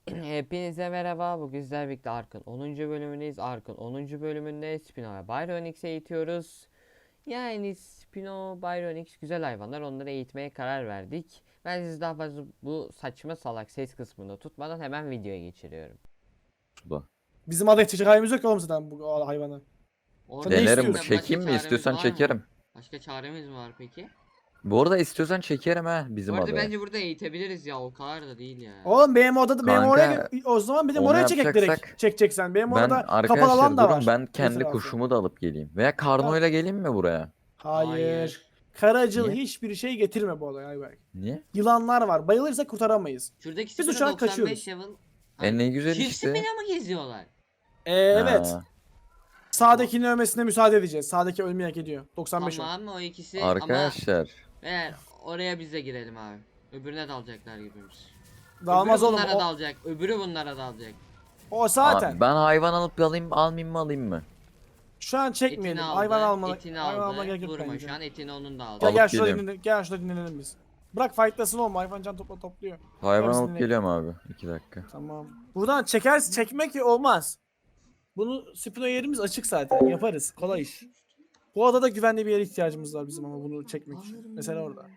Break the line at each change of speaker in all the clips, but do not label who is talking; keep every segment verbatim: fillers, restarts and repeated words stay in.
Hepinize merhaba. Bugün sizlerle birlikte Ark'ın onuncu bölümündeyiz. Ark'ın onuncu bölümünde Spino ve Byronix'i eğitiyoruz. Yani Spino, Byronix güzel hayvanlar. Onları eğitmeye karar verdik. Ben sizi daha fazla bu saçma salak ses kısmında tutmadan hemen videoya geçiriyorum.
Suda.
Bizim aday çekecek halimiz yok ki oğlum zaten bu hayvanı.
Orada
ne
Denerim,
istiyorsun?
başka
çekeyim mi?
çaremiz
İstiyorsan
var mı?
çekerim.
Başka çaremiz mi var peki?
Bu arada istiyorsan çekerim ha
Bu
bizim
arada
adaya.
bence burada eğitebiliriz ya. O kadar da değil ya.
Oğlum benim odada benim oraya
Kanka,
o zaman bizim
onu
oraya çekek direkt
yapacaksak
çekeceksen. Benim
ben
orada kapalı
arkadaşlar
alan da
durun,
var.
ben kendi
etrafı.
kuşumu da alıp geleyim. Veya
Tamam.
karnoyla geleyim mi buraya?
Hayır.
Hayır.
Karacıl
Niye?
hiçbir şey getirme bu odaya Ayberk.
Niye?
Yılanlar var. Bayılırsak kurtaramayız.
Şuradaki
Biz
Spino
uçarak
doksan beş
kaçıyoruz.
level.
E ne güzel
Çift
işte.
Spino mı geziyorlar?
Ee, evet.
Ha,
Sağdakinin ölmesine müsaade edeceğiz. Sağdaki ölmeyi hak ediyor. doksan beş o.
Tamam o ikisi
arkadaşlar.
ama eğer oraya biz de girelim abi. Öbürüne dalacaklar gibimiz.
Dağılmaz
Öbürü
oğlum.
bunlara
O,
dalacak. Öbürü bunlara dalacak.
o zaten.
Abi, ben hayvan alıp alayım, almayayım mı alayım mı?
Şu an çekmeyelim.
Etini aldı.
Hayvan almalı.
Etini
Hayvan
aldı.
alma gerek yok
Vurma
bence.
şu an etini onun da aldı.
Gel
Alıp
gel şurada
geliyorum.
dinlenelim. Gel şurada dinlenelim biz. Bırak fightlasın oğlum. Hayvan can topla topluyor.
Hayvan
Hepsini
alıp
ne-
geliyorum abi. iki dakika.
Tamam. Buradan çeker çekmek olmaz. Bunu Spino yerimiz açık zaten. Yaparız. Kolay iş. Bu adada güvenli bir yere ihtiyacımız var bizim ama bunu çekmek için. Mesela orada.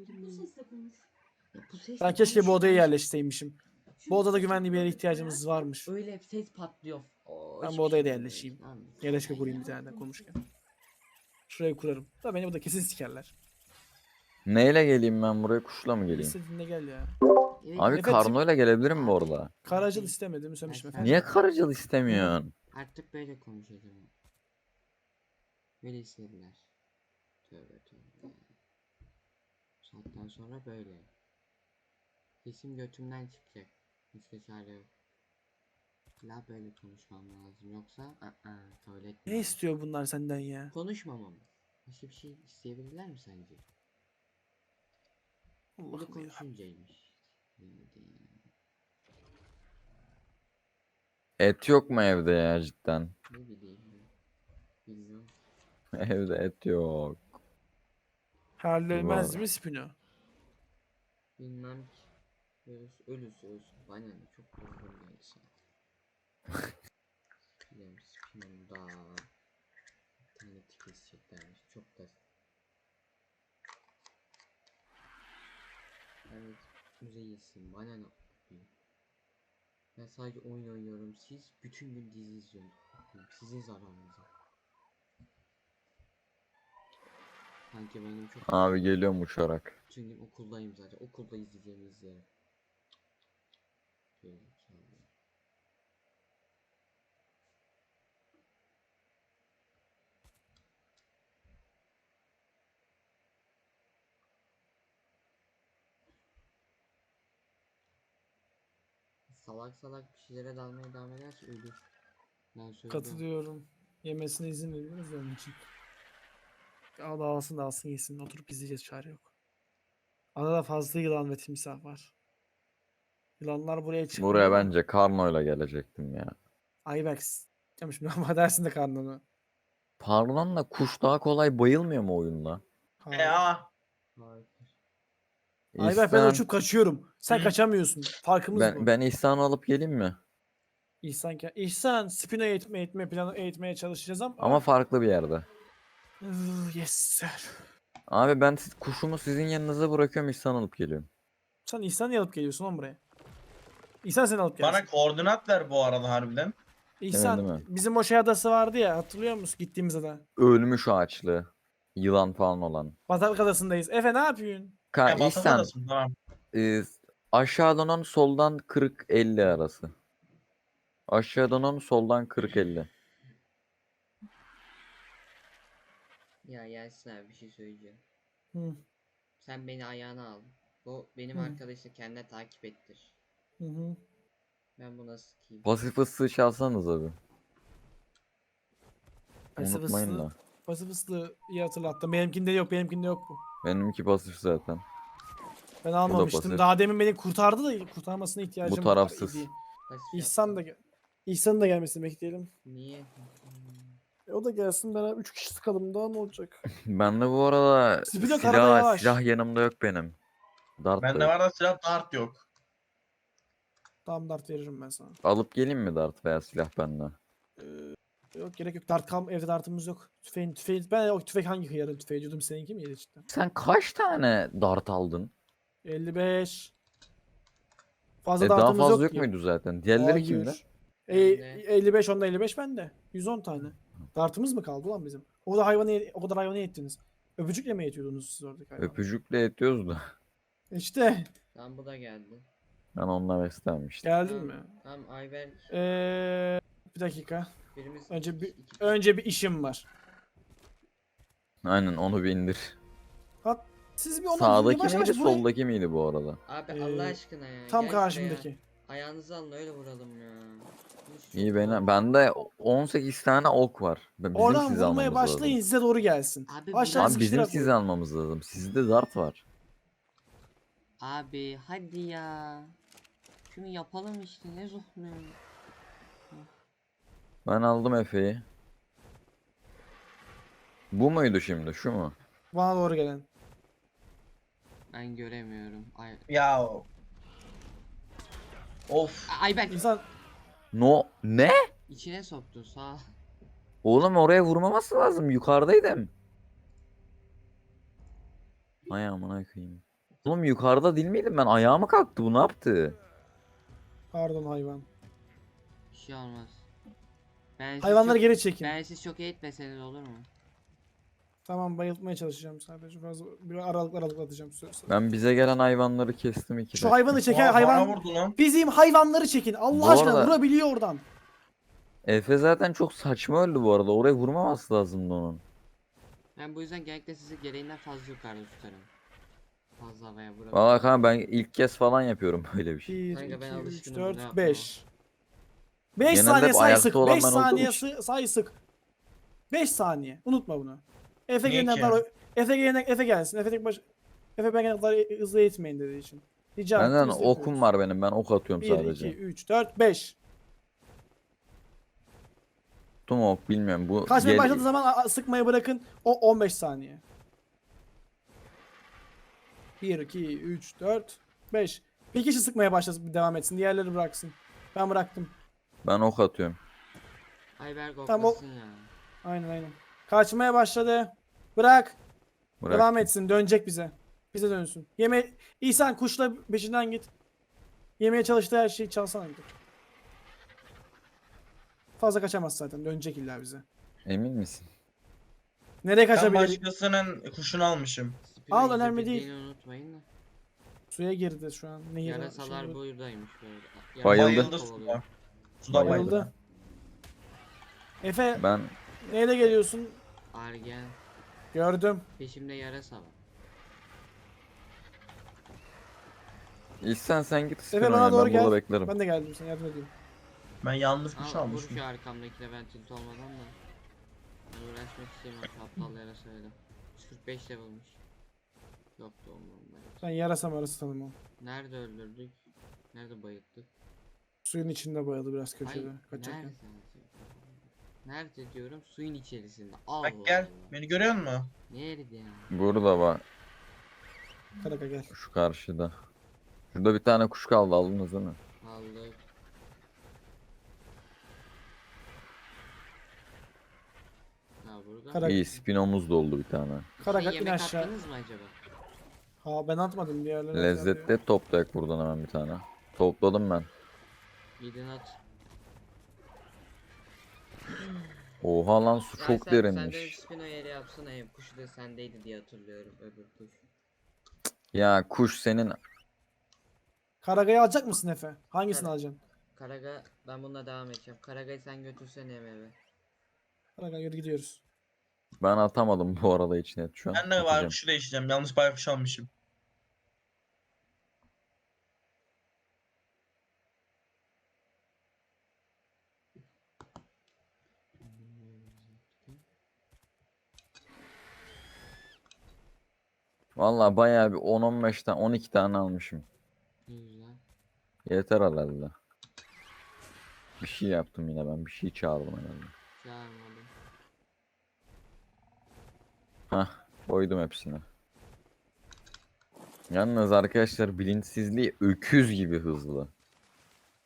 Bu ses
Ben keşke bu odaya yerleşseymişim. Bu odada güvenli bir yere ihtiyacımız varmış.
Öyle ses patlıyor. Oo,
Ben
hiçbir
bu odaya da
şey
yerleşeyim.
olmuyor. Lan.
Yerleşke kurayım bir tane de konuşurken. Şuraya kurarım. Da beni burada kesin sikerler.
Neyle geleyim ben buraya? Kuşla mı geleyim?
İstediğinde gel ya.
Evet,
Abi
Evet,
karnoyla gelebilirim bu arada.
Karacıl istemedim söylemiştim efendim.
Niye karıcıl istemiyorsun?
Artık böyle konuşacağım. Böyle istediler. Tövbe tövbe. Bu saatten sonra böyle. Sesim götümden çıkacak. Başka çare yok. La böyle konuşmam lazım yoksa ı-ı, kabul
Ne
etmiyorum.
istiyor bunlar senden ya?
Konuşmamam. Başka bir şey isteyebilirler mi sence? Bu da
Allah'ım ya.
konuşuncaymış. Neydi ya?
Et yok mu evde ya cidden?
Ne bileyim ben. Bilmiyorum.
Evde et yok.
Hallolmez
Var.
mi Spino?
Bilmem ki. Ölüsü ölüsü ölsün. Bana ne çok korkunç geldi sana. Bilmiyorum Spino'nun daha bir tane keseceklermiş. Çok da evet müzeyyesin. Bana ne yapayım? Ben sadece oyun oynuyorum. Siz bütün gün dizi izliyorsunuz. Sizin zararınıza. Sanki benim çok
Abi geliyorum uçarak.
bütün gün okuldayım zaten. Okulda izleyeceğimi izlerim. Şöyle, şöyle. Salak salak bir şeylere dalmaya devam ederse ölür. Ben söylüyorum.
Katılıyorum. Yemesine izin veriyoruz ya onun için. Al da alsın da alsın yesin. Oturup izleyeceğiz çare yok. Adada fazla yılan ve timsah var. Yılanlar buraya çıkmıyor.
Buraya
ama
bence karnoyla gelecektim ya.
Aybex. Demiş ama dersin de karnını.
Parlanla kuş daha kolay bayılmıyor mu oyunda?
Hayır.
Harika.
Aybex ben
İhsan,
uçup kaçıyorum. Sen
Hı.
kaçamıyorsun. Farkımız bu.
ben, ben İhsan'ı alıp geleyim mi?
İhsan, İhsan Spino eğitme, eğitme planı eğitmeye çalışacağız ama.
Ama farklı bir yerde.
Ih, yes sir.
Abi ben siz- kuşumu sizin yanınıza bırakıyorum, İhsan alıp geliyorum.
Sen İhsan'ı alıp geliyorsun oğlum buraya. İhsan seni alıp gelsin.
Bana koordinat ver bu arada harbiden.
İhsan
Değil mi?
bizim o şey adası vardı ya hatırlıyor musun gittiğimiz ada?
Ölmüş ağaçlı. Yılan falan olan.
Bataklık adasındayız. Efe ne yapıyorsun?
Ka
Ya,
İhsan,
Batak'tadasın, tamam.
e, aşağıdan on soldan kırk elli arası. Aşağıdan on soldan kırk elli.
Ya Yasin abi bir şey söyleyeceğim.
Hı,
Sen beni ayağına al. Bu benim
Hı.
arkadaşı kendine takip ettir.
hı hı.
Ben buna sıkayım.
Pasif ıslığı çalsanız abi.
Pasif
Unutmayın
ıslığı-
da.
Pasif ıslığı iyi hatırlattın. Benimkinde yok benimkinde yok bu.
Benimki pasif zaten.
Ben almamıştım.
pasif.
Daha demin beni kurtardı da kurtarmasına ihtiyacım
Bu tarafsız.
idi.
Pasif
İhsan
yaptım.
da gel. İhsan'ın da gelmesini bekleyelim.
Niye?
E, o da gelsin beraber üç kişi sıkalım daha ne olacak?
Ben de bu arada
Spino karada
silah,
yavaş.
silah yanımda yok benim. Dart da
Bende
yok.
var da silah dart yok.
Tamam dart veririm ben sana.
Alıp geleyim mi dart veya silah bende?
Ee, yok gerek yok. Dart kam evde dartımız yok. Tüfeğin tüfeği ben o tüfek hangi hıyarın tüfeği diyordum seninki miydi cidden?
Sen kaç tane dart aldın?
elli beş. Fazla
E daha
dartımız
fazla
yok
yok
ki.
muydu zaten? Diğerleri kimde?
Hayır. E,
Bende.
elli beş onda elli beş bende. yüz on tane. Dartımız mı kaldı lan bizim? O da hayvanı ye- o kadar hayvanı yettiniz. Öpücükle mi yetiyordunuz siz oradaki hayvanı?
Öpücükle yetiyoruz da.
İşte
Tamam bu da geldi.
Ben onunla beslenmiştim.
geldin
Tamam,
mi?
Tamam Ayberk.
Ee, bir dakika.
Birimiz
Önce bir
iki- iki-
önce bir işim var.
Aynen onu bir indir.
Hat siz bir onu
Sağdaki
yavaş
miydi
yavaş buraya-
soldaki miydi bu arada?
Abi
Ee,
Allah aşkına ya.
Tam
gel şuraya.
karşımdaki.
Ayağınızı alın öyle vuralım ya. Hiç
İyi
yok
beni.
ya.
Bende on sekiz tane ok var. Bizim
Oradan
sizi
vurmaya
almamız
başlayın
lazım.
size doğru gelsin.
Abi
Aşağı
biraz-
Abi bizim
sıkıştırarak
sizi
vurun.
almamız lazım. Sizde dart var.
Abi hadi ya. Şunu yapalım işte ne zohluyor.
Ben aldım Efe'yi. Bu muydu şimdi? Şu mu?
Bana doğru gelen.
Ben göremiyorum. Ay
Ya. Of.
A- Ayberk
İnsan
No. Ne?
içine soktu sağ.
Oğlum oraya vurmaması lazım. Yukarıdaydım. Ay amına koyayım. Oğlum yukarıda değil miydim ben? Ayağıma kalktı. Bu ne yaptı?
pardon hayvan.
Bir şey olmaz. Ben siz
Hayvanları
çok,
geri çekin.
ben siz çok eğitmeseniz olur mu?
Tamam bayıltmaya çalışacağım sadece. Fazla bir aralıklar aralıklar atacağım. Söz- söz.
Ben bize gelen hayvanları kestim iki
Şu
dakika.
hayvanı çeken
Aa, bana
hayvan.
vurdu lan.
Bizim hayvanları çekin. Allah
Bu
aşkına
arada-
vurabiliyor oradan.
Efe zaten çok saçma öldü bu arada. Oraya vurmaması lazımdı onun.
Ben bu yüzden genellikle sizi gereğinden fazla yukarıda tutarım. Fazla havaya vurabilirim.
Valla kanka ben ilk kez falan yapıyorum böyle bir şey.
bir,
Kanka ben
iki, üç,
alışkınım, ne
dört,
yapmam?
beş. beş
Genelde
saniye
hep
say
ayakta
sık.
olan
beş
ben olduğum
saniye
için.
sı- say sık. beş saniye. Unutma bunu. Efe
Niye
gelene
ki?
kadar Efe gelene Efe gelsin. Efe tek baş Efe ben gelene kadar hızlı eğitmeyin dediği için. Rica ettim,
Benden
biz de
okum
yapıyoruz.
var benim. Ben ok atıyorum
bir,
sadece.
iki, üç, dört, beş.
Tuttum ok bilmiyorum. Bu
Kaçmaya
gel-
başladığı zaman a- a- sıkmayı bırakın. O on beş saniye. bir, iki, üç, dört, beş. Bir kişi sıkmaya başlasın devam etsin. Diğerleri bıraksın. Ben bıraktım.
Ben ok atıyorum.
Ayberk
Tamam, o-
oklasın ya.
Aynen aynen. Kaçmaya başladı. Bırak.
Bırak.
Devam etsin. Dönecek bize. Bize dönsün. Yeme İhsan kuşla peşinden git. Yemeye çalıştığı her şeyi çalsana gidip. Fazla kaçamaz zaten. Dönecek illa bize.
Emin misin?
Nereye
Ben
kaçabilir?
başkasının kuşunu almışım.
Spino
Al, önemli
izlebildiğini
değil.
unutmayın da.
Suya girdi şu an. Nehir
Yarasalar
şey-
buradaymış böyle.
Bayıldı.
Yarasalar
Bayıldı
kovalıyor.
suda. Suda
Bayıldı.
bayıldı.
Bayıldı. Efe
Ben
neyle geliyorsun?
Argen.
Gördüm.
Peşimde yarasa var.
İhsan sen git
Efe
Spino'ya,
bana doğru
ben burada
gel.
beklerim.
Ben de geldim sana yardım edeyim.
Ben yanlış kuş
Al vur
almışım.
şu arkamdakine ben tilt olmadan da. Ben uğraşmak istemiyorum şu aptal yarasayla. yüz kırk beş level'mış. Yok da umurumda.
Ben yarasam arası tanımam.
Nerede öldürdük? Nerede bayılttık?
Suyun içinde bayıldı biraz köşede.
Hayır,
Kaçarken.
nerede? Nerede diyorum? Suyun içerisinde. Allah
Bak gel.
Allah.
Beni görüyor musun?
Nerede ya?
Burada var.
Karaka gel.
Şu karşıda. Şurada bir tane kuş kaldı, aldınız değil mi?
Aldık. Ha burada.
Kara-
İyi, Spino'muz da oldu bir tane.
Karaka
Şey,
in
yemek
aşağı.
attınız mı acaba?
Ha ben atmadım diğerleri.
Lezzetli toplayak buradan hemen bir tane. Topladım ben.
Gidin at.
Oha lan su
Ya
çok
sen, Sen de
derinmiş.
spino yeri yapsana. Hem kuşu da sendeydi diye hatırlıyorum öbür kuş.
Ya kuş senin
Karagayı alacak mısın Efe? Hangisini
Kara-
alacaksın?
Karaga ben bununla devam edeceğim. Karaga'yı sen götürsene eve.
Karaga yürü gidiyoruz.
ben atamadım bu arada içine şu an.
Ben de
Atacağım.
baykuşu değiştireceğim. Yanlış baykuş almışım.
Vallahi bayağı bir on on beş tane on iki tane almışım.
Ne güzel.
Yeter herhalde. Bir şey yaptım yine ben. Bir şey çağırdım herhalde.
Çağırmadım.
Hah, koydum hepsini. Yalnız arkadaşlar bilinçsizliği öküz gibi hızlı.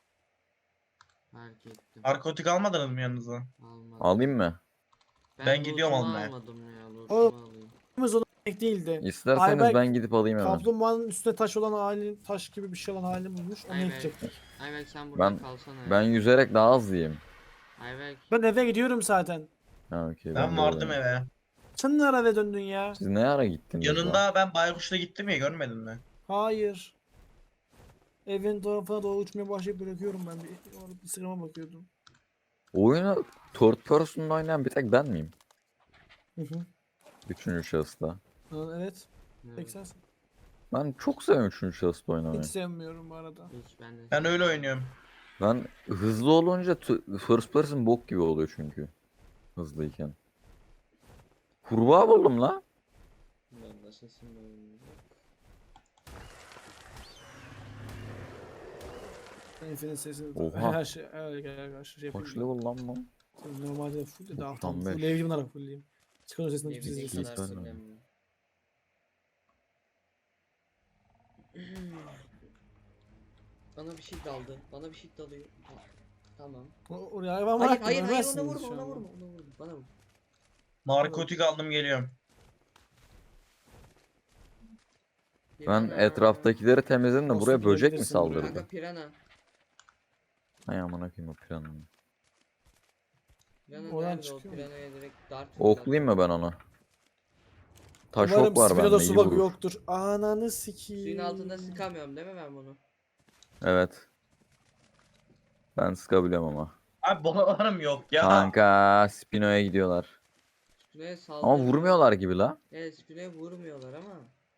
Fark ettim.
Narkotik almadınız mı yanınıza?
Almadım.
Alayım mı?
Ben gidiyorum
lootumu
almaya.
almadım ya.
O-
Lootumu alayım.
Biz ona denk değildi.
İsterseniz
Ayberk
ben gidip alayım hemen.
kaplumbağanın üstüne taş olan hali, taş gibi bir şey olan halini bulmuş. Onu
Ayberk.
yıkacaktık.
Ayberk sen burada
Ben
kalsana ya.
ben yüzerek daha hızlıyım.
Ayberk.
Ben eve gidiyorum zaten.
Ha okey
Ben
de
vardım
öyleyim.
eve.
Sen ne ara eve döndün ya?
Siz ne ara gittiniz lan?
Yanında ben Baykuş'la gittim ya, görmedin mi?
Hayır. Evin tarafına doğru uçmaya başlayıp bırakıyorum ben. Bir, orada Instagram'a bakıyordum.
Oyunu third person'da oynayan bir tek ben miyim?
Hı hı.
Üçüncü şahısta.
Ha, evet.
Evet.
Tek sensin.
Ben çok seviyorum üçüncü şahısta oynamayı.
Hiç sevmiyorum bu arada.
Hiç ben de.
Ben öyle oynuyorum.
Ben hızlı olunca t- first person bok gibi oluyor çünkü. Hızlıyken. Kurbağa buldum la.
Ben de sesim böyle.
Infinite sesini
Oha.
her şey her, her, her şey
Kaç
yapıyorum.
level lan bu?
Normalde full de daha tam
doksan beş.
full evli bunlara fullleyeyim. Çıkan sesini
Ne
biz
bileyim
Hiç
kadar
izleyeceğiz.
ben
sinirlenmiyorum. Bana bir şey daldı. Bana bir şey dalıyor. Ha, tamam.
O- Oraya hayvan
Hayır
bıraktım.
hayır hayır ona
ölmezsiniz
vurma
şu
ona
anda.
vurma ona vurma. Bana vur.
Narkotik aldım, geliyorum.
Ben
Pirana.
etraftakileri temizledim de buraya
Dostum
böcek mi
gidebilirsin buraya.
saldırdı?
Kanka pirana.
Hay amına koyayım o planını.
Pirana
Oradan
nerede o
çıkıyor mu?
piranaya direkt dart
Oklayayım mı ben onu? Taş
Umarım
ok var
Spino'da
bende iyi
su bug'ı
vurur.
yoktur. Ananı sikiyim.
Suyun altında sıkamıyorum değil mi ben bunu?
Evet. Ben sıkabiliyorum ama.
Abi babalarım yok ya.
Kanka Spino'ya gidiyorlar.
Spino'ya
Ama
saldırmıyor.
vurmuyorlar gibi la.
Evet Spino'ya vurmuyorlar ama.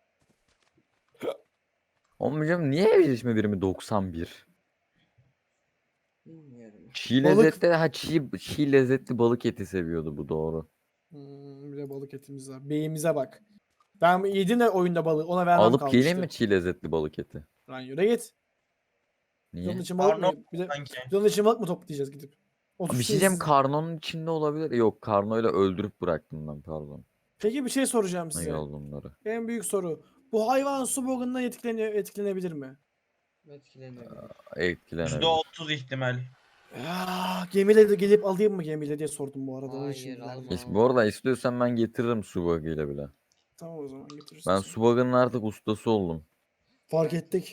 Oğlum hocam niye evcilleşme birimi doksan bir?
Bilmiyorum.
Çiğ
Balık-
lezzetli ha çiğ, çiğ lezzetli balık eti seviyordu bu doğru.
Hmm, bir de balık etimiz var. Beyimize bak. Ben yedim de oyunda balığı. Ona vermem
Alıp
kalmıştı.
geleyim mi çiğ lezzetli balık eti?
Lan yürü git.
Niye?
Yolun için balık mı?
Arnavut
Bir de
sanki.
yolun için balık mı toplayacağız gidip?
Bir
Otuz
şey diyeceğim,
şeysiz-
karnonun içinde olabilir. Yok karnoyla öldürüp bıraktım ben pardon.
Peki bir şey soracağım
Ne
size.
oldu onları?
En büyük soru. Bu hayvan su bug'ından etkileniyor, etkilenebilir mi?
Etkilenebilir.
yüzde
Etkilenebilir.
otuz ihtimal.
Ya, gemiyle de gelip alayım mı gemiyle diye sordum bu arada. Onun için
Hayır,
geldim.
alma.
İşte bu arada istiyorsan ben getiririm su bug'ıyla bile.
Tamam o zaman getirirsin.
Ben
sen.
su bug'ının artık ustası oldum.
Fark ettik.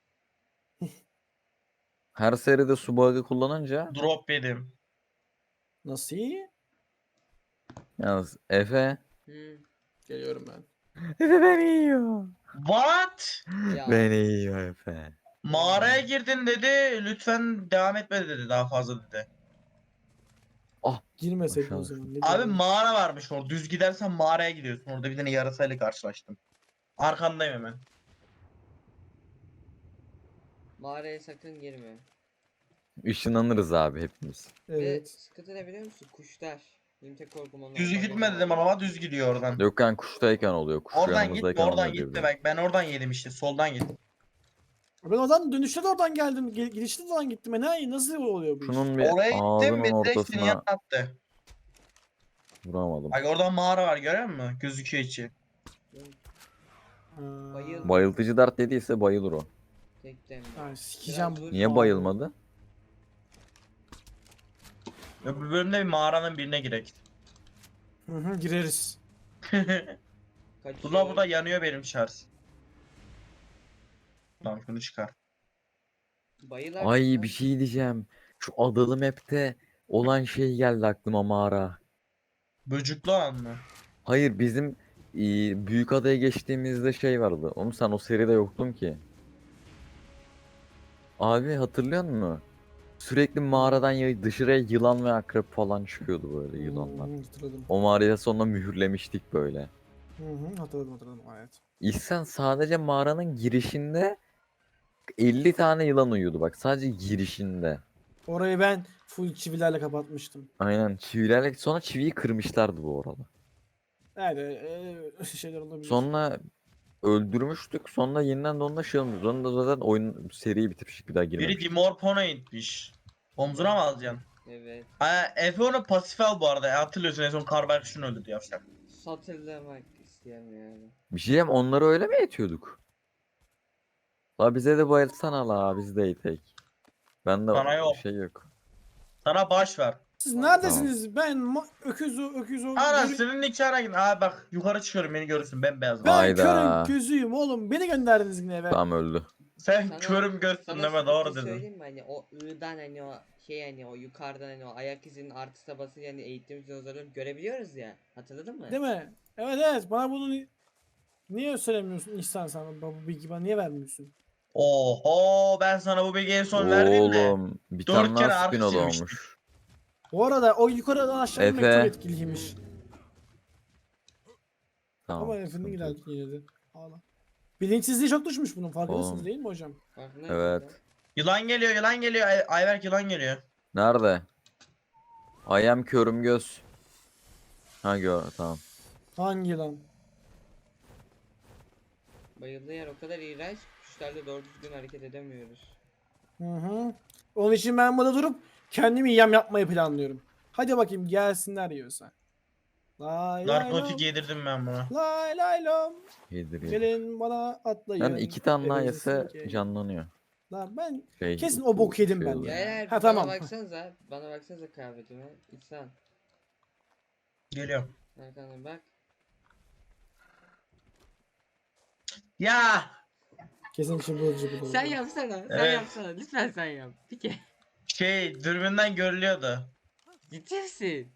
Her seride su bug'ı kullanınca
Drop yedim.
Nasıl iyi?
yalnız Efe
Hı.
Geliyorum ben.
Efe beni yiyor.
What?
Ya.
Beni yiyor Efe.
Mağaraya girdin dedi. Lütfen devam etme dedi, daha fazla dedi.
Girmeseydin o
Aşağı
zaman. Ne
Abi
diyeyim?
mağara varmış orada. Düz gidersen mağaraya gidiyorsun. Orada bir tane yarasayla karşılaştım. Arkandayım hemen.
Mağaraya sakın girme.
Işınlanırız abi hepimiz.
Ve
Evet.
sıkıntı ne biliyor musun? Kuşlar. Benim tek korkum onlar.
Düz
Bak,
gitme
onlar-
dedim ama düz gidiyor oradan.
Yok yani kuştayken oluyor. Kuş
Oradan
yanımızdayken
gitme, oradan
olmuyor diye
gitme.
biliyorum.
Bak ben oradan yedim işte. Soldan git.
Ben oradan dönüşte de oradan geldim. Gel- Gidişte de oradan gittim. E ne, nasıl oluyor bu iş?
Şunun bir
Oraya gittim
ağzının
ve direkt senin
ortasına
yanına attı.
vuramadım.
Bak orada mağara var, görüyor musun? Gözüküyor içi.
Ha.
Bayıl-
Bayıltıcı dart dediyse bayılır o.
Tek dem.
Ay, sikeceğim.
Biraz dur.
Niye
Abi.
bayılmadı?
Öbür bölümde bir mağaranın birine girek.
Hı hı, gireriz.
Kaçıyor.
Burada burada yanıyor benim şarj. Tamam şunu çıkar.
Bayılar.
Ay bir şey diyeceğim. Şu adalı map'te olan şey geldi aklıma mağara.
Böcüklü olan mı?
Hayır bizim e, büyük adaya geçtiğimizde şey vardı. Oğlum sen o seride yoktun ki. Abi hatırlıyor musun? Sürekli mağaradan ya- dışarıya yılan ve akrep falan çıkıyordu böyle yılanlar.
Hı hı, hatırladım.
O mağaraya sonra mühürlemiştik böyle.
Hı hı, hatırladım hatırladım. Evet.
İhsan sadece mağaranın girişinde elli tane yılan uyuyordu bak sadece girişinde.
Orayı ben full çivilerle kapatmıştım.
Aynen çivilerle sonra çiviyi kırmışlardı bu arada.
Evet, e, şeyler olabilir.
Sonra öldürmüştük sonra yeniden de onunla şey olmuş. Sonra da zaten oyun seriyi bitirmiştik bir daha
Biri
girmemiştik.
Dimorpon'a itmiş. Omzuna mı alacaksın?
Evet.
Ha, Efe onu pasif al bu arada. Hatırlıyorsun en son Karberk şunu öldürdü yavşak.
Satırlamak isteyemiyorum.
Bir şey diyeyim onları öyle mi etiyorduk? La bize de bayılsana la biz de itek. Ben de
Bana yok.
şey yok.
Sana baş var.
Siz neredesiniz? Ben ma- öküz o öküz o.
Anasının nikahına gidin. Abi bak yukarı çıkıyorum beni görürsün ben beyazım.
Ben
Hayda.
körün gözüyüm oğlum. Beni gönderdiniz yine eve.
Tam öldü.
Sen
Sana-
körüm gözsün
Sana
deme
sıkıntıyı
doğru dedin.
söyleyeyim mi? Hani o I'dan hani o şey hani o yukarıdan hani o ayak izinin artı basınca hani eğitim dinozorlarını görebiliyoruz ya. Hatırladın mı?
Değil mi? Evet evet. Bana bunu ni- niye söylemiyorsun İhsan sana bu bilgi bana niye vermiyorsun?
Oho ben sana bu bilgiyi en son verdim de.
Oğlum bir
Dört
tane
kere
daha
artı
spin
silmiştik.
olmuş.
Bu arada o yukarıdan aşağı inmek
Efe.
çok etkiliymiş.
Tamam.
Ama Efe'nin
sıkıntı yok.
ilerledi yine de. Ağla. Bilinçsizliği çok düşmüş bunun farkındasınız
Oğlum.
değil mi hocam?
Farkındayım
Evet.
zaten.
Yılan geliyor yılan geliyor. Ay Ayberk yılan geliyor.
Nerede? I am körüm göz. Ha gör tamam.
Hangi lan?
Bayıldığı yer o kadar iğrenç. Kuşlarla doğru düzgün hareket edemiyoruz.
Hı hı. Onun için ben burada durup kendimi yem yapmayı planlıyorum. Hadi bakayım gelsinler yiyorsa. Lay lay
Narkotik
lom.
yedirdim ben buna.
Lay lay lom.
Yedir yedir.
Gelin bana atlayın.
Ben iki tane daha
Elinizde
yese
silkeyin.
canlanıyor.
Lan ben
Şey,
kesin
bu
o boku yedim
şey
ben
oluyor.
ya.
Beyler
Ha,
bana
tamam.
baksanıza. Bana baksanıza kıyafetime. İnsan.
Geliyorum.
Arkana bak.
Ya
Kesin çıbıl
Sen yapsana. Sen
Evet.
yapsana. Lütfen sen yap. Bir kere.
şey dürbünden görülüyordu.
Ciddi misin?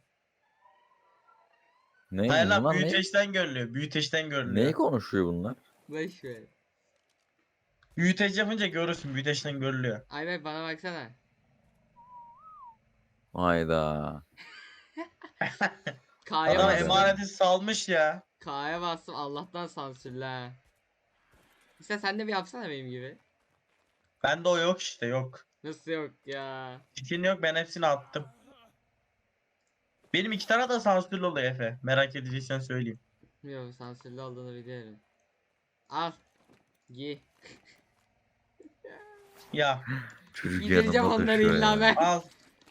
Ne?
Hayır lan
Bunlar ne?
büyüteçten görülüyor. Büyüteçten görülüyor.
Neyi konuşuyor bunlar?
Boş ver.
Büyüteç yapınca görürsün. Büyüteçten görülüyor.
Ayber bana baksana.
Hayda.
K'ya
Adam
bastım.
emaneti salmış ya.
K'ya bastım Allah'tan sansürle ha. İşte sen de bir yapsana benim gibi.
Bende o yok işte yok.
Nasıl yok ya?
Fitin yok ben hepsini attım. Benim iki tane de sansürlü oluyor Efe. Merak edeceksen söyleyeyim.
Bilmiyorum sansürlü olduğunu biliyorum. Al. Giy.
Ya
Çocuk
Giydireceğim
yanında
onları
taşıyor
illa
ya.
ben.
al.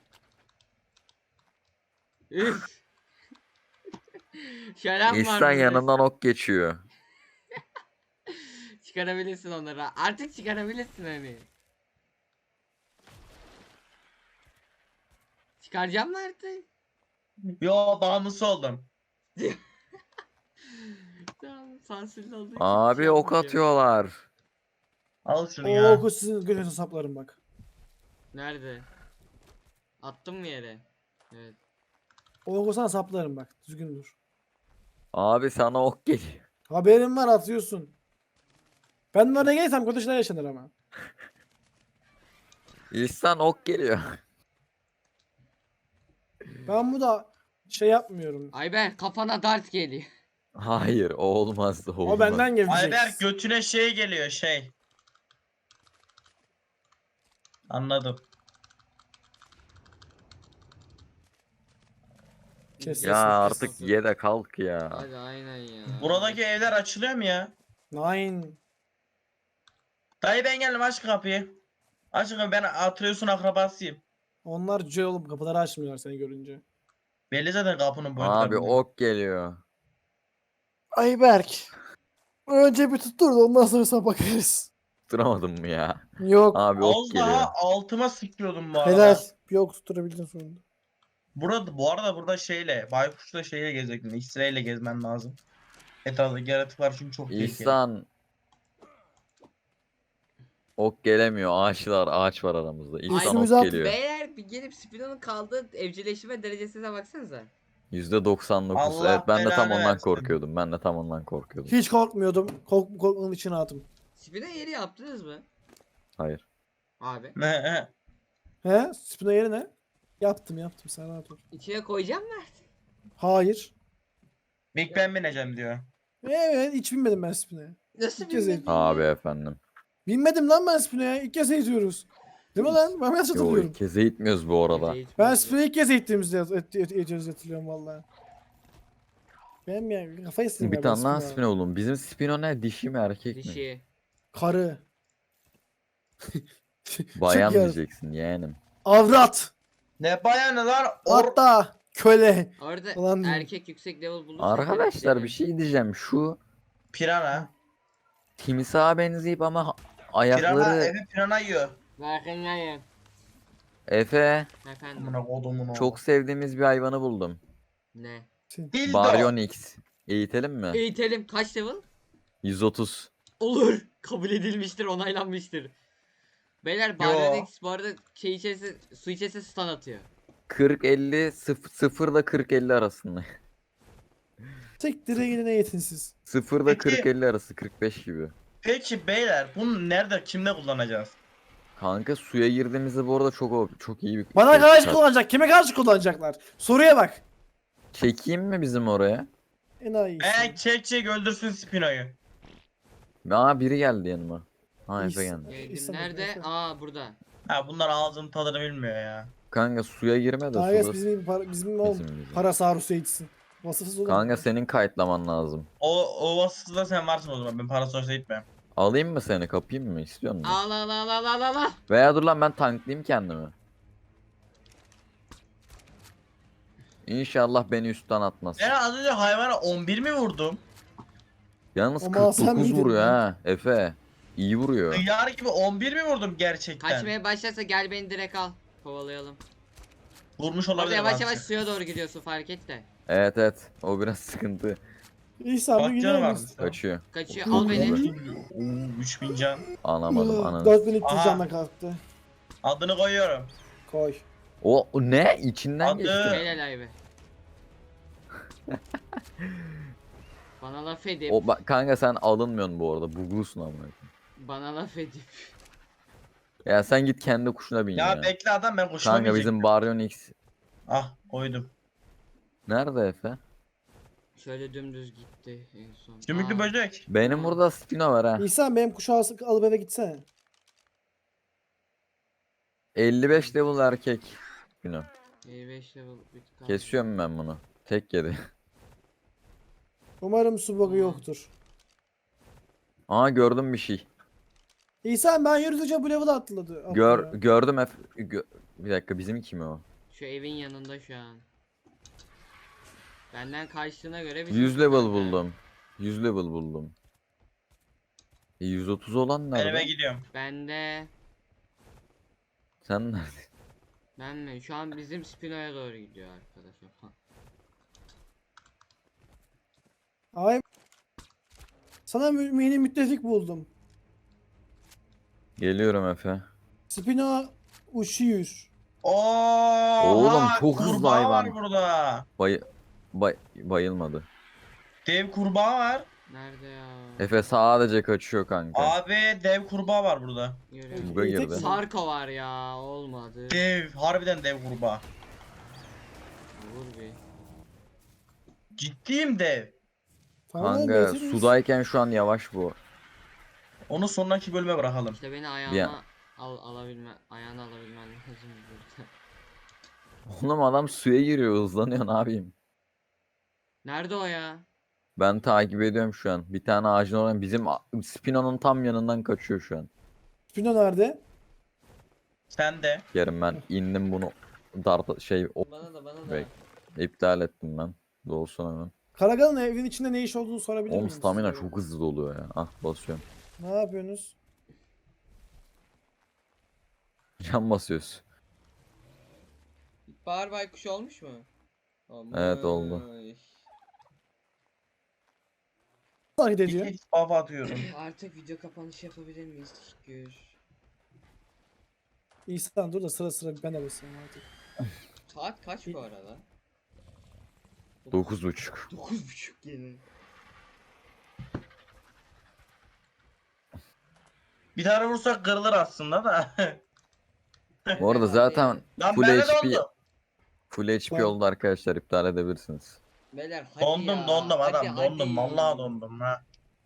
Üf. Şölen var
İhsan
burada.
yanından ok geçiyor.
Çıkarabilirsin onları. Artık çıkarabilirsin hani. Çıkaracağım mı artık?
Yo bağımlısı oldum.
Tamam sansürlü olduğu için
Abi
şey
ok
yapmayacağım.
atıyorlar.
Al şunu
O
ya.
oku sizin götünüze saplarım bak.
Nerede? Attım mı yere? Evet.
O oku sana saplarım bak. Düzgün dur.
Abi sana ok geliyor.
Haberim var atıyorsun. Ben oraya gelirsem kötü şeyler yaşanır ama.
İhsan ok geliyor.
Ben bu da şey yapmıyorum.
Ayber kafana dart geliyor.
Hayır o olmaz o olmaz.
O benden gelecek.
Ayberk götüne şey geliyor şey. Anladım.
Kes,
Ya
kes, kes.
artık ye de kalk ya.
Hadi aynen ya.
Buradaki evler açılıyor mu ya?
Nine.
Dayı ben geldim aç kapıyı. Aç kapıyı ben Atreus'un akrabasıyım.
Onlar cüce olup kapıları açmıyorlar seni görünce.
Belli zaten kapının boyutlarından.
Abi ok geliyor.
Ayberk. Önce bir tuttur da ondan sonra sana bakarız.
Tutturamadım mı ya?
Yok.
Abi ok
Az
geliyor.
daha altıma sıkıyordum bu arada.
Helal. Yok tutturabildin sonunda.
Burada bu arada burada şeyle baykuşla şeyle gezecektin. X-ray ile gezmen lazım. Etraftaki yaratıklar çünkü çok tehlikeli.
İhsan. Ok gelemiyor. Ağaçlar, ağaç var aramızda. İhsan
Üstümüze
ok
at-
geliyor.
Beyler bir gelip Spino'nun kaldığı evcilleşme derecesine baksanıza.
yüzde doksan dokuz.
Allah
Evet ben de tam
belanı
ondan
versin.
korkuyordum. Ben de tam ondan korkuyordum.
Hiç korkmuyordum. Kork korkmanın içine attım.
Spino yeri yaptınız mı?
Hayır.
Abi.
Ne he.
He? Spino yeri ne? Yaptım yaptım sen rahat ol.
İçine koyacağım mı artık?
Hayır.
Big Ben bineceğim diyor.
Evet hiç binmedim ben Spino'ya.
Nasıl
İlk kez
bilmedin
Abi
ya?
efendim.
Binmedim lan ben Spino'ya. İlk kez eğitiyoruz. Değil mi lan? Ben nasıl
Yo
hatırlıyorum?
ilk kez eğitmiyoruz bu arada.
Gece
Ben
eğitimi-
Spino'ya ilk kez eğittiğimizde yat- et- et- eğitiyoruz hatırlıyorum valla. Ben ya kafayı istedim
Bir
ya ben
tane daha
Spino'ya.
spin oğlum. Bizim spino ne? Dişi mi erkek mi?
Dişi.
Karı.
Bayan
Çok iyi.
diyeceksin yeğenim.
Avrat.
Ne bayanı lan? Or
Hatta köle.
Orada
Ulan diyeyim.
erkek yüksek level bulursa
Arkadaşlar
derim.
bir şey diyeceğim. Şu
pirana.
timsaha benzeyip ama ha-
Pirana
ayakları
evi pirana yiyor.
Farkındayım.
Efe,
Efendim.
Amına kodumun oğlu.
çok sevdiğimiz bir hayvanı buldum.
Ne?
Dildo.
Baryonyx. Eğitelim mi?
Eğitelim. Kaç level?
yüz otuz.
Olur. Kabul edilmiştir, onaylanmıştır. Beyler Baryonyx bu arada şey içerisi, su içerisi stun atıyor.
kırk elli sıfır ile kırk elli arasında.
Tek direğe gidin eğitinsiz.
sıfır ile
Peki.
kırk elli arası, kırk beş gibi.
Peki beyler bunu nerede kimde kullanacağız?
Kanka suya girdiğimizde bu arada çok çok iyi bir
Bana
şey
karşı
çıkar.
kullanacak. Kime karşı kullanacaklar? Soruya bak.
Çekeyim mi bizim oraya?
Enayi.
Eee çek çek öldürsün Spino'yu.
Aa biri geldi yanıma. Ha Efe
İyi-
geldi.
Geldim.
İstemez,
Nerede?
Efe.
Aa burada.
Ha bunlar ağzının tadını bilmiyor ya.
Kanka suya girme de
Kanka
suda
bizim para, bizim oğlum
bizim bizim.
para sarhoşu eğitsin. Vasıfsız olur.
Kanka senin kayıtlaman lazım.
O o vasıfta sen varsın o zaman. Ben para sonuçta gitmem.
Alayım mı seni, kapayım mı, istiyor musun?
Al al al al al al.
Veya dur lan ben tanklayayım kendimi. İnşallah beni üstten atmaz.
Ben az önce hayvana on bir mi vurdum?
Yalnız
Ama sen
kırk dokuz
miydin
vuruyor
lan?
ha Efe. İyi vuruyor.
Yar gibi on bir mi vurdum gerçekten?
Kaçmaya başlarsa gel beni direkt al. Kovalayalım.
Vurmuş
Orada
olabilir.
yavaş
bazı.
yavaş suya doğru gidiyorsun, fark et de.
Evet evet, o biraz sıkıntı.
İhsan bir
Bak
gidiyor
canı
muyuz?
varmış.
Kaçıyor.
Kaçıyor,
Çok
al beni.
iyi.
Oo üç bin can.
Anlamadım ananı.
dört bin üç yüz
Aha.
canla kalktı.
Adını koyuyorum.
Koy.
O, o ne? İçinden
Adı-
geçti.
Helal aybe. Bana laf edip,
O bak kanka sen alınmıyorsun bu arada. Buglusun ama.
bana laf edip.
Ya sen git kendi kuşuna bin
Ya,
ya.
bekle adam ben kuşuma
Kanka
binecektim.
bizim Baryonyx
Ah koydum.
nerede Efe?
Şöyle dümdüz gitti en son.
Sümüklü
Aa,
böcek.
Benim
Aa.
burada Spino var ha.
İhsan benim kuşağı alıp eve gitsene.
elli beş level erkek. Spino.
elli beş level bit kaldı.
Kesiyorum ben bunu. Tek yedi.
Umarım su bug'ı
Hı.
yoktur.
Aa gördüm bir şey.
İhsan ben yürüdükçe bu level atladı. atladı
Gör
ya.
gördüm Efe. Gö- bir dakika bizim kim o?
Şu evin yanında şu an. Benden kaçtığına göre bir
yüz
şey
level
kanka.
buldum. yüz level buldum. E, yüz otuz olan
Ben eve
nerede?
gidiyorum.
Bende.
Sen nerede?
Ben mi? Şu an bizim Spino'ya doğru gidiyor arkadaşım.
Ay. Sana mü- mini müttefik buldum.
Geliyorum Efe.
Spino uçuyor.
Oo,
Oğlum, çok hızlı
kurbağa
hayvan.
var burada.
Bay bay bayılmadı.
Dev kurbağa var.
Nerede ya?
Efe sadece kaçıyor kanka.
Abi dev kurbağa var burada.
Görüyorum.
Buga
İyi, tek
girdi.
mi?
Sarko var ya, olmadı.
Dev, harbiden dev kurbağa.
Vur bir.
Ciddiyim dev.
Tamam,
Kanka
getiririz.
sudayken şu an yavaş bu.
Onu sonraki bölüme bırakalım.
İşte beni ayağına al alabilme, ayağına alabilmen lazım burada.
Oğlum adam suya giriyor, hızlanıyor, ne yapayım?
Nerede o ya?
Ben takip ediyorum şu an. Bir tane ağacın oradan bizim a- Spino'nun tam yanından kaçıyor şu an.
Spino nerede?
Sen de.
Yerim ben indim bunu dart şey o,
Bana da bana da.
Bek. iptal ettim ben. Dolsun hemen.
Karagal'ın evin içinde ne iş olduğunu sorabilir
Oğlum
miyim?
stamina
size?
çok hızlı doluyor ya. Ah basıyorum.
Ne yapıyorsunuz?
Can basıyoruz.
Bahar baykuş olmuş mu?
Evet, oldu.
Olmuş.
Hareket ediyor.
Hiç baba atıyorum.
Artık video kapanışı yapabilir miyiz? Teşekkür.
İhsan dur da sıra sıra ben de basayım artık.
Saat kaç bu arada?
Dokuz buçuk.
Dokuz buçuk yine.
Bir tane vursak kırılır aslında da.
Bu arada zaten
Lan
full
ben de
H P
dondum.
full H P
Tamam.
oldu arkadaşlar, iptal edebilirsiniz.
Beyler hadi
Dondum
ya.
dondum
hadi,
adam
hadi.
dondum vallahi dondum ha.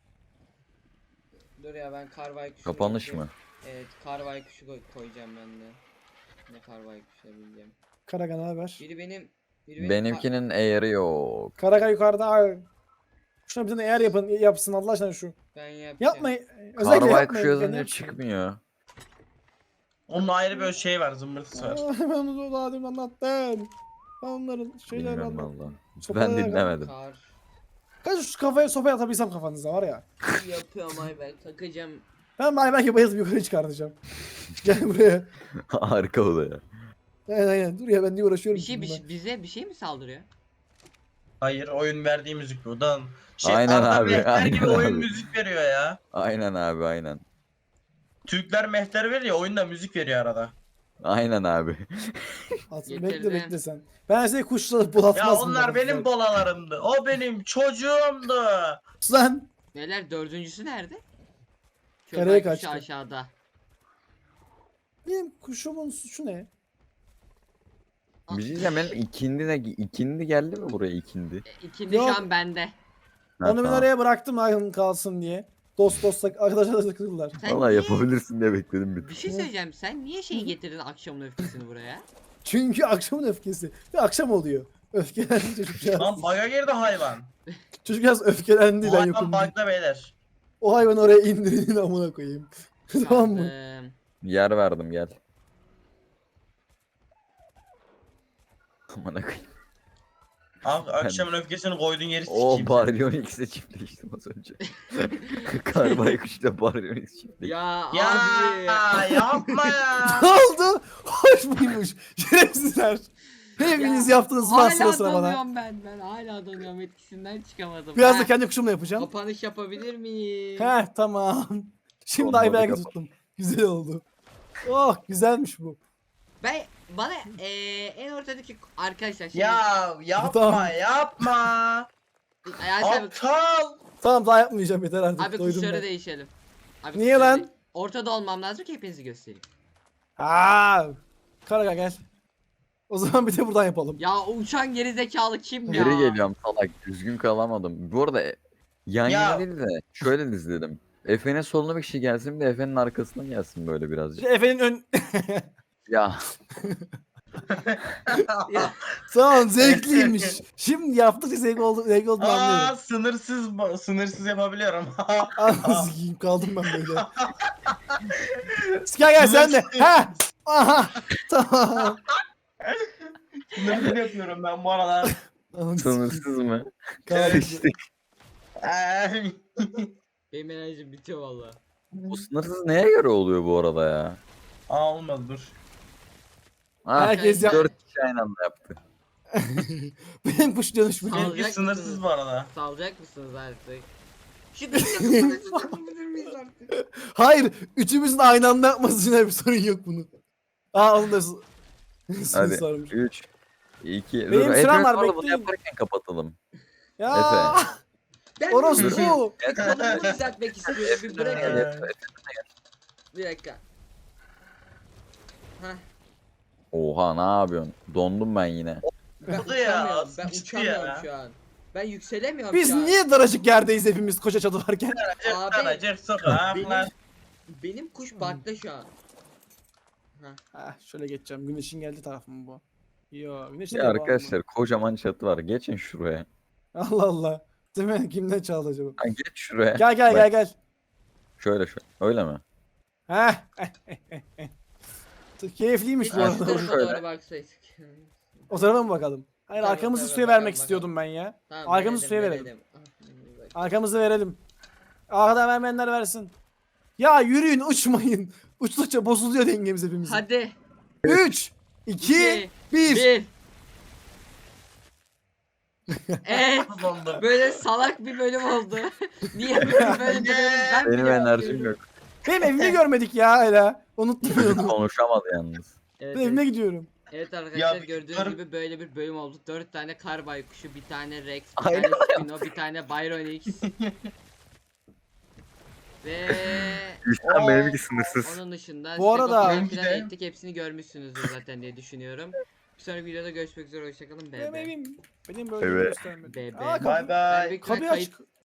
Dur ya, ben kar baykuşu.
Kapanış mı?
Evet, kar baykuşu koy- koyacağım ben de. Ne kar baykuşu bileceğim.
Karagal ne haber?
Biri benim biri benim
Benimkinin eğri yok.
Karagal yukarıda. Ay. Şuna bir tane eğer yapın, yapsın Allah aşkına şu.
ka- ben yapacağım.
Yapmayın. Özellikle
Kar
yapmayın.
baykuş
kendi
yazınca
yapsın.
çıkmıyor.
Onun ayrı bir şey var zımbırtısı var.
Aa, ben onu daha demin anlattım. Ben onların şeylerini
Bilmiyorum
anlattım.
valla.
Sopalara
Ben
yakın.
dinlemedim.
Kar
Kaç şu kafaya sopaya atabilsem kafanıza var ya.
yapıyorum ay ben takacağım.
Ben belki bayılıp yukarı çıkartacağım. Gel buraya.
Harika o da ya.
Aynen aynen. Dur ya ben niye uğraşıyorum
Bir şey, bir
bununla?
şey- bize bir şey mi saldırıyor?
Hayır, oyun verdiği müzik bu. Dan şey
Aynen
Arda
abi,
Mehter gibi
aynen
oyun
abi.
müzik veriyor ya.
Aynen abi aynen.
Türkler mehter veriyor, oyunda müzik veriyor arada.
Aynen abi.
At,
Getirdim.
bekle bekle sen. Ben seni kuşla bul
Ya
atmaz
onlar benim bolalarımdı. O benim çocuğumdu.
Lan.
Neler dördüncüsü nerede?
Karaya
Köpek kuşu
kaçtı.
aşağıda.
Benim kuşumun suçu ne?
Bir şey diyeceğim, benim ikindi ne? İkindi geldi mi buraya ikindi?
E, İkindi
Yok.
şu an bende.
Ha,
Onu ben
tamam.
oraya bıraktım aklım kalsın diye. Dost dost arkadaşlar da takıldılar.
Sen
Valla
niye-
yapabilirsin diye bekledim bir
Bir şey söyleyeceğim. Sen niye şeyi getirdin akşamın öfkesini buraya?
Çünkü akşamın öfkesi. Ve akşam oluyor. Öfkelendi çocukcağız.
Lan baga girdi hayvan.
Çocukcağız öfkelendi
Bu
ben
hayvan
yokum. diye.
bug'da beyler.
O hayvanı oraya indirin amına koyayım. Tamam mı?
Aldım.
yer verdim, gel. Aman akıyım.
Ak- akşamın öfkesini koyduğun yeri
O
sikeyim.
Baryon X'e çiftleştim az önce. Karbaykuş'la Baryon X çiftleştim.
Ya,
Ya
abi.
yapma ya.
Ne oldu? Hoş muymuş? Şerefsizler. Hepiniz
Ya,
yaptınız var sıra
Hala
sıra bana.
donuyorum ben. Ben hala donuyorum. Etkisinden çıkamadım.
Biraz
Ha,
da kendi kuşumla yapacağım.
Kapanış yapabilir miyim?
Heh tamam. Şimdi
Olmadı,
Ayberk'i
kapat.
tuttum. Güzel oldu. Oh güzelmiş bu.
Ben bana eee en ortadaki arkadaşlar şimdi
Ya yapma
Tamam.
yapma.
Ayaz abi,
Aptal.
Tamam daha yapmayacağım yeter artık.
abi
Doydum
kuşları
ben.
değişelim. Abi
Niye
kuşları
lan?
de- Ortada olmam lazım ki hepinizi göstereyim.
Aa, Karaga gel. O zaman bir de buradan yapalım.
Ya o uçan gerizekalı kim ya?
Geri geliyorum salak, düzgün kalamadım. Bu arada e, yan
Ya.
yana değil de şöyle dizledim. Efe'nin soluna bir kişi gelsin, bir de Efe'nin arkasına gelsin böyle birazcık.
Efe'nin ön...
Ya
Ya,
Tamam zevkliymiş. Şimdi yaptıkça zevk oldu, zevk olduğunu
Aa
anlıyorum.
sınırsız ba- sınırsız yapabiliyorum.
Anasını sikeyim kaldım ben böyle. Gel gel sen de. Ha. Aha. Tamam.
Sınırsız yapıyorum ben bu arada.
Anasını sikeyim.
sınırsız mı?
Kaldım.
İşte
Ay.
benim enerjim bitiyor valla.
bu sınırsız neye göre oluyor bu arada ya?
Aa olmadı dur.
Ha,
Herkes yap-
dört kişi aynı anda yaptı.
Benim kuş dönüşmüyor.
Alacak
Benimki sınırsız
mısınız?
bu arada.
Salacak mısınız artık? Şu gıcık yapabilir miyiz artık?
Hayır. Üçümüzün aynı anda yapması için bir sorun yok bunun. Aa onun da s-
Hadi
sormuş.
üç, iki,
Benim
dur,
sıram
hepimiz
var,
bu arada bunu
bekleyin.
yaparken kapatalım.
Ya.
Ben
Orası
bir-
bu.
bir konumumu düzeltmek istiyorum. Bir bırakın.
Ee,
Bir dakika. Heh.
Oha, ne yapıyorsun? Dondum ben yine.
Ben
Oldu ya,
uçamıyorum. Ben
sıçtı
uçamıyorum
ya.
şu an. Ben yükselemiyorum
Biz
şu an.
niye daracık yerdeyiz hepimiz koca çadı varken?
Abi
Aracık sokaklar.
benim, benim kuş bakta şu an.
Ah şöyle geçeceğim. Güneşin geldiği taraf mı bu? Yo güneşin
Ya
de var mı?
arkadaşlar, kocaman çatı var. Geçin şuraya.
Allah Allah. Değil mi? Kimden çaldı acaba?
Ha, geç şuraya.
Gel gel
Bak,
gel gel.
Şöyle şöyle. Öyle mi?
Heh. Keyifliymiş
Hiç
bu
şu
arada.
Şöyle.
tarafa doğru baksaydık.
O tarafa mı bakalım? Hayır
Tamam,
arkamızı
tamam,
suya
bakalım,
vermek
bakalım.
istiyordum ben ya.
Tamam,
Arkamızı suya verelim.
Ah, bak.
Arkamızı verelim. Arkadan vermeyenler versin. Ya yürüyün uçmayın. Uçtukça bozuluyor dengemiz hepimizin.
Hadi.
üç, iki,
iki,
bir.
Bir. Evet.
Dondum.
Böyle salak bir bölüm oldu. Niye böyle böyle bir bölüm ben
Benim
bile
enerjim
bakıyorum.
yok.
Benim evimi görmedik ya hala. Unuttum ben
Çocuk
onu.
konuşamadı yalnız.
Evet,
Ben
evet.
evime gidiyorum.
Evet arkadaşlar
Ya,
gördüğünüz
yukarı-
gibi böyle bir bölüm oldu. Dört tane kar baykuşu, bir tane Rex, bir
Aynen
tane Spino, bir tane Byron X. Ve
Üçten
Oo.
benimki sınırsız.
onun dışında
Bu arada-
Stego falan
Benimki
filan
de-
ettik. Hepsini görmüşsünüzdür zaten diye düşünüyorum. Bir sonraki videoda görüşmek üzere. Hoşçakalın.
Benim
Be be.
evim. Benim böyle
Evet.
göstermedi.
Be be.
Aa, kapı-
Bay
Ben
bay.
büyük ihtimal
Kapıyı
kayıt,
aç.